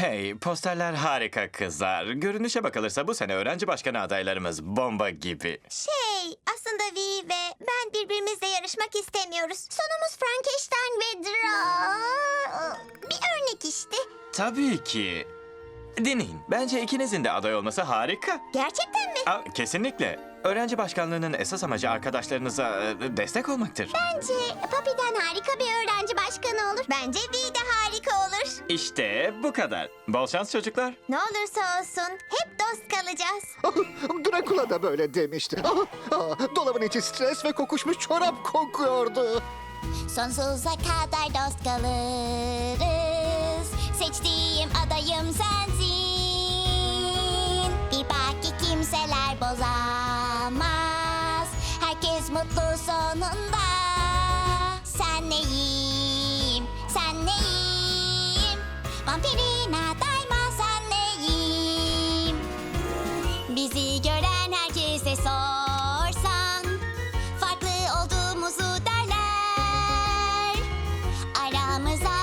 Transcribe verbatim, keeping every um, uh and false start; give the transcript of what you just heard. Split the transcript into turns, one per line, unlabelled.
Hey, posterler harika kızlar. Görünüşe bakılırsa bu sene öğrenci başkanı adaylarımız bomba gibi.
Şey, aslında Vi ve ben birbirimizle yarışmak istemiyoruz. Sonumuz Frankenstein ve Dra... Bir örnek işte.
Tabii ki. Dinleyin, bence ikinizin de aday olması harika.
Gerçekten mi?
Aa, kesinlikle. Öğrenci başkanlığının esas amacı arkadaşlarınıza e, destek olmaktır.
Bence Papi'den harika bir öğrenci başkanı olur. Bence Vi de harika olur.
İşte bu kadar. Bol şans çocuklar.
Ne olursa olsun hep dost kalacağız.
Dracula da böyle demişti. Ah, dolabın içi stres ve kokuşmuş çorap kokuyordu.
Sonsuza kadar dost kalırız. Seçtiğim adayım sensin. Bir bak ki kimseler bozamaz. Herkes mutlu sonunda. Sen neyim, sen neyim? Vampirina daima sen neyim? Bizi gören herkese sorsan farklı olduğumuzu derler. Aramıza